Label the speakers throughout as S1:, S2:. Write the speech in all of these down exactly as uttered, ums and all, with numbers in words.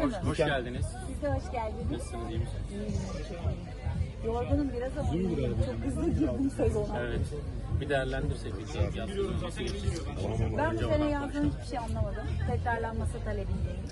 S1: Hoş, hoş geldiniz.
S2: Siz de hoş geldiniz.
S1: Nasılsınız, iyi misiniz?
S2: İyiyim, çok iyiyim. Yorgunum biraz ama iyiyim. Çok hızlı girdim sezona.
S1: Evet. Bir değerlendirsek biz de yaz sezonu nasıl geçecek?
S2: Ben bu sene yazdığım hiçbir şey anlamadım. Tekrarlanması talebindeyim.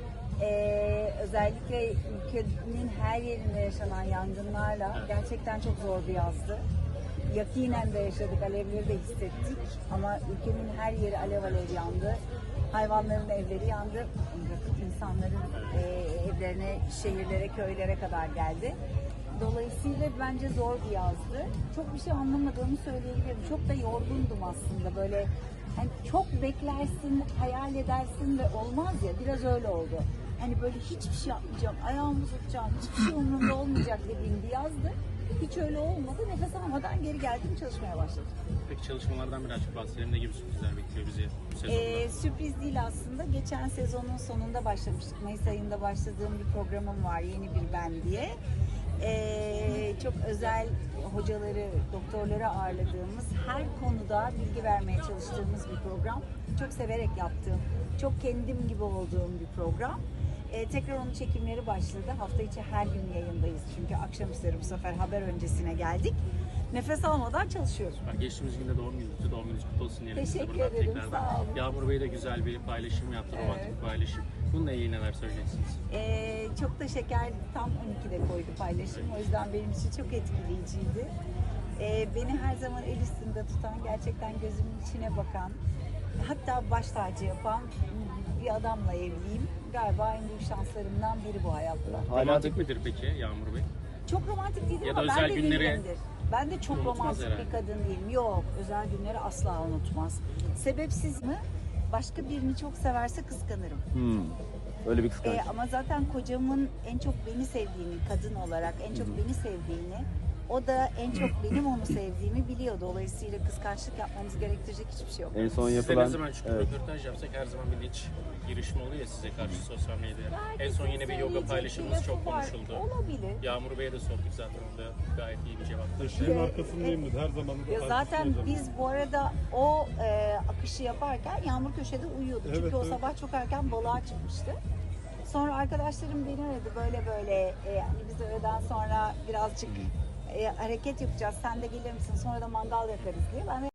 S2: Ee, özellikle ülkenin her yerinde yaşanan yangınlarla gerçekten çok zor bir yazdı. Yakinen de yaşadık, alevleri de hissettik. Ama ülkenin her yeri alev alev yandı. Hayvanların evleri yandı. İnsanların e, evlerine, şehirlere, köylere kadar geldi. Dolayısıyla bence zor bir yazdı. Çok bir şey anlamadığımı söyleyebilirim. Çok da yorgundum aslında. Böyle hani çok beklersin, hayal edersin ve olmaz ya. Biraz öyle oldu. Hani böyle hiçbir şey yapmayacağım, ayağımı tutacağım, hiçbir şey umurumda olmayacak dediğim bir yazdı. Hiç öyle olmadı. Nefes almadan geri geldim, çalışmaya başladım.
S1: Peki çalışmalardan birazcık bahsedelim. Ne gibi sürprizler bekliyor bizi bu sezonda?
S2: Ee, sürpriz değil aslında. Geçen sezonun sonunda başlamıştık. Mayıs ayında başladığım bir programım var. Yeni bir ben diye. Ee, çok özel hocaları, doktorları ağırladığımız, her konuda bilgi vermeye çalıştığımız bir program. Çok severek yaptığım, çok kendim gibi olduğum bir program. Ee, tekrar onun çekimleri başladı. Hafta içi her gün yayındayız. Çünkü akşamüstleri bu sefer haber öncesine geldik. Nefes almadan çalışıyoruz.
S1: Ben geçtiğimiz günde doğum gününüzdü. Doğum gününüz kutlu olsun diyelim.
S2: Teşekkür
S1: size buradan
S2: ederim,
S1: tekrardan.
S2: sağ olun.
S1: Yağmur Bey de güzel bir paylaşım yaptı, romantik
S2: Evet.
S1: bir paylaşım. Bununla ilgili neler söyleyeceksiniz?
S2: Ee, çok da şeker, tam on ikide koydu paylaşım. O yüzden benim için çok etkileyiciydi. Ee, beni her zaman el üstünde tutan, gerçekten gözümün içine bakan, hatta baş tacı yapan bir adamla evliyim. Galiba en büyük şanslarımdan biri bu hayatta.
S1: Romantik midir peki Yağmur Bey?
S2: Çok romantik değilim
S1: Ya da
S2: ama ben
S1: özel
S2: de
S1: günleri
S2: değilimdir. Ben de çok
S1: unutmaz
S2: romantik
S1: herhalde.
S2: bir kadın değilim. Yok, özel günleri asla unutmaz. Sebepsiz mi? Başka birini çok severse kıskanırım.
S3: Hmm. Öyle bir kıskanç.
S2: Ee, ama zaten kocamın en çok beni sevdiğini, kadın olarak en çok beni sevdiğini, o da en çok benim onu sevdiğimi biliyor. Dolayısıyla kıskançlık yapmamız gerektirecek hiçbir şey yok.
S3: En son
S1: Size
S3: yapılan...
S1: ne zaman çünkü
S3: Evet.
S1: röportaj yapsak her zaman bir linç girişimi oluyor ya size karşı sosyal medyada. En
S2: Herkesin
S1: son yine bir yoga
S2: söyleyecek
S1: paylaşımınız
S2: bir
S1: çok
S2: lafı var.
S1: konuşuldu.
S2: Olabilir.
S1: Yağmur Bey'e de sorduk zaten, onda gayet iyi bir cevap verdi.
S4: Eşimin arkasındayım dedi. Her zaman da
S2: Ya zaten biz bu arada o e, akışı yaparken Yağmur köşede uyuyordu.
S4: Evet,
S2: Çünkü o
S4: evet.
S2: sabah çok erken balığa çıkmıştı. Sonra arkadaşlarım beni aradı böyle böyle e, hani biz öğleden sonra birazcık e, hareket yapacağız. Sen de gelir misin? Sonra da mangal yakarız diye. Ben de